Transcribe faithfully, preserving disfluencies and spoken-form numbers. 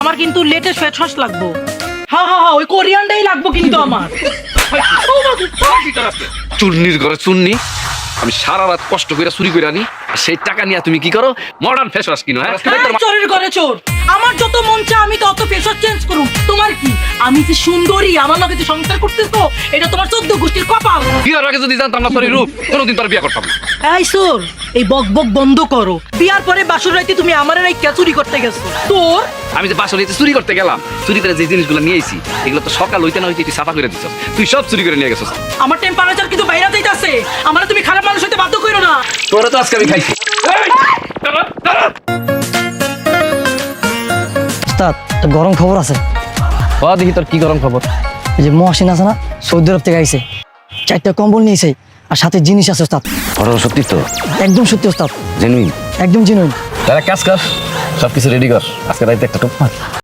আমার কিন্তু latest face wash লাগবো। হ্যাঁ হ্যাঁ হ্যাঁ ওই কোরিয়ানটাই লাগবো কিন্তু আমার। চুন্নির ঘরে চুন্নি, আমি সারা রাত কষ্ট করে চুরি করে আনি, আর সেই টাকা নিয়ে তুমি কি করো? মডার্ন ফেস ওয়াশ কিনো। হ্যাঁ চোরের ঘরে চোর। আমার যত মন চায় আমি তত ফেস ওয়াশ চেঞ্জ করুম। তোমার কি? আমি যে সুন্দরী, আমার লগে যে সংসার করতেছো, এটা তোমার চোদ্দ গোষ্ঠীর কপাল। বিয়ার আগে যদি জানতাম না তোর এই রূপ, কোনোদিন তোর বিয়ে করতাম না। এই সোর, এই বক বক বন্ধ করো। বিয়ার পরে বাসর রাইতে তুমি আমার রাইতে চুরি করতে গেছো। তোর আমি যে বাসা হইতে চুরি করতে গেলাম, চুরি করে যে জিনিসগুলো নিয়ে আইছি এগুলো তো সকাল হইতে না হইতে তুই সাফা করে দিছ। তুই সব চুরি করে নিয়ে গেছিস। আমার টেম্পারেচার কিন্তু বাইরে যাইতাছে। আমার তুমি খারাপ মানুষ হইতে বাধ্য করো না। তোরা তো আজকে আমি খাইছি। উস্তাদ, একটা গরম খবর আছে। ও দেখি তোর কি গরম খবর। এই যে মহাসিন আছে না, সৌদি আরব থেকে আইছে, চারটা কম্বল নিয়েছে আর সাথে জিনিস আছে উস্তাদ। ঘটনা সত্যি তো? একদম সত্যি উস্তাদ, জেনুইন? একদম জেনুইন। তারা কাজ কর, সবকিছু রেডি কর, আজকে রাইতে একটা টুপ মার।